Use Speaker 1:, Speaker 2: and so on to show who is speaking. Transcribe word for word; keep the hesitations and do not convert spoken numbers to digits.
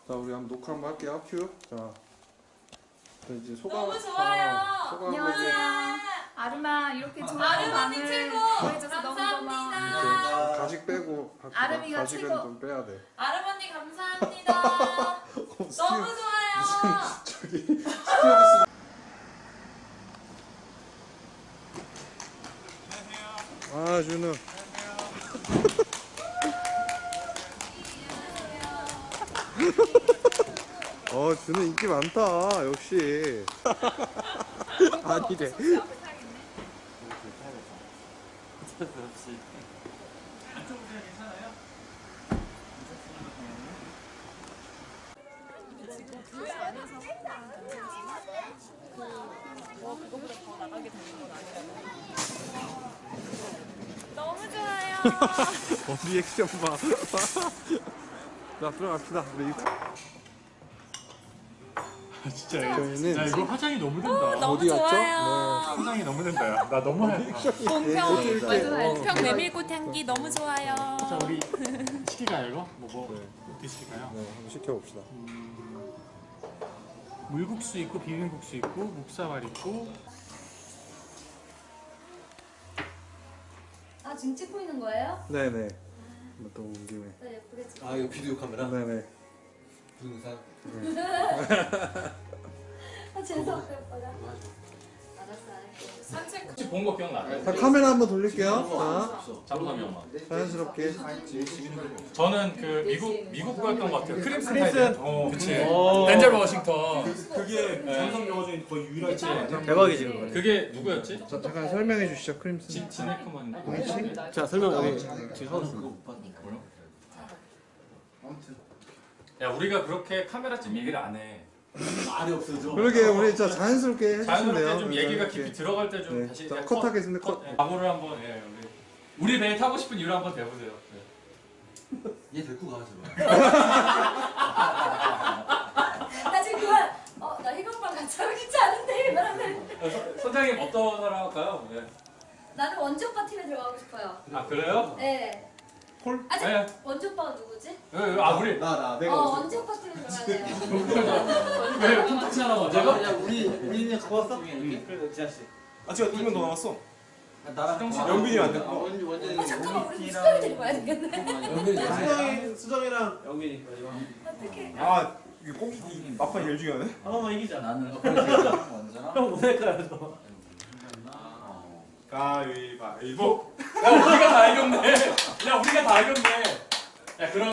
Speaker 1: 자, 우리 한번 녹화 한번 할게요. 큐. 자, 이제 소감.
Speaker 2: 너무 좋아요.
Speaker 1: 어, 소감
Speaker 3: 안녕하세요. 아름아 이렇게 좋은
Speaker 2: 아름언니
Speaker 3: 밤을
Speaker 2: 최고.
Speaker 3: 보내줘서 너무 고마워.
Speaker 2: 감사합니다.
Speaker 1: 이제 가식 빼고 할게요.
Speaker 3: 아름이가
Speaker 1: 가식은
Speaker 3: 최고.
Speaker 1: 좀 빼야 돼.
Speaker 2: 아름언니 감사합니다. 너무 좋아요.
Speaker 1: 저기 스튜어디스. 아, 준우. 어, 준우 인기 많다. 역시. 아니래.
Speaker 2: 너무 좋아요.
Speaker 1: 어, 리액션 봐. 자, 들어갑시다. 우리 유튜브.
Speaker 4: 진짜
Speaker 1: 저희는
Speaker 4: 야 이거 화장이 너무 된다.
Speaker 2: 너무
Speaker 1: 어디 갔죠?
Speaker 2: 좋아요.
Speaker 4: 화장이 너무 된다. 야. 나 너무 하얗다.
Speaker 2: 공평
Speaker 1: 네.
Speaker 2: 공평 메밀꽃 향기 너무 좋아요.
Speaker 4: 자 우리 시킬까요 이거? 뭐 뭐
Speaker 1: 네.
Speaker 4: 어떻게 시킬까요?
Speaker 1: 네, 한번 시켜봅시다.
Speaker 4: 음, 물국수 있고 비빔국수 있고 묵사발 있고.
Speaker 5: 아 지금 찍고 있는 거예요?
Speaker 1: 네네. 또 온 김에.
Speaker 5: 네 예쁘게 찍.
Speaker 6: 아 이거 비디오 카메라?
Speaker 1: 네네.
Speaker 6: 동영상?
Speaker 5: 아 재수없게 예쁘다. 알았어 알았어.
Speaker 2: 산책.
Speaker 7: 혹시 본 거 기억나?
Speaker 1: 자, 카메라 한번 돌릴게요. 자,
Speaker 7: 잠깐만 형만.
Speaker 1: 자연스럽게.
Speaker 7: 저는 그 미국 미국 거였던 것 같아요. 크림슨
Speaker 4: 크림슨?
Speaker 7: 타이든. 어, 그치. 덴젤 워싱턴.
Speaker 4: 그게 전성 영화 중에 거의 유일하지.
Speaker 6: 대박이지 그거.
Speaker 7: 그게 누구였지?
Speaker 1: 자, 잠깐 설명해 주시죠, 크림슨.
Speaker 7: 진 지네크만인가?
Speaker 6: 자 설명 여기 지금 서울수
Speaker 7: 야 우리가 그렇게 카메라쯤 얘기를 안 해.
Speaker 6: 말이 없어져.
Speaker 1: 그러게, 우리 진짜 자연스럽게 해주시면 돼요.
Speaker 7: 자연스럽게 좀 얘기가
Speaker 1: 이렇게.
Speaker 7: 깊이 들어갈 때 좀
Speaker 1: 네.
Speaker 7: 다시
Speaker 1: 자,
Speaker 7: 그냥
Speaker 1: 컷하겠습니다, 컷.
Speaker 7: 예, 각오를 한번 예 우리 우리 배에 타고 싶은 이유를 한번 대보세요. 네.
Speaker 6: 얘 데리고 가 제발.
Speaker 5: 나 지금 그만. 어나 희경방 같이 하고 싶지 않은데 이러면.
Speaker 7: 어, 선- 선장님 어떤 사람 할까요? 네.
Speaker 5: 나는 원주 오빠 팀에 들어가고 싶어요.
Speaker 7: 아 그래요?
Speaker 5: 네.
Speaker 1: 콜?
Speaker 5: 아 저,
Speaker 7: 네.
Speaker 5: 원주 오빠가 누구지?
Speaker 7: 예, 예, 아 우리
Speaker 6: 나나
Speaker 5: 어 원주 오빠 팀에 들어가야 돼요.
Speaker 7: 왜 콘텐츠 하나 먼저?
Speaker 6: 야 우리 우리는 갖고 왔어? 그래 지아 씨.
Speaker 8: 아 지금 두 명 더 남았어.
Speaker 6: 나랑
Speaker 8: 영빈이 안 됐고.
Speaker 6: 원주 원주.
Speaker 5: 어 잠깐만 우리 수정이 데리고 와야 되겠네.
Speaker 6: 영빈이
Speaker 8: 수정이 수정이랑
Speaker 6: 영빈이.
Speaker 5: 어떡해.
Speaker 8: 아 이게 꼭 이 막판 제일 중요하네.
Speaker 6: 한번만 이기자. 나는. 형 모자이크야 저.
Speaker 8: 가위바위보.
Speaker 7: 야 우리가 다 이겼네. 야 우리가 다 이겼네. 야 그럼.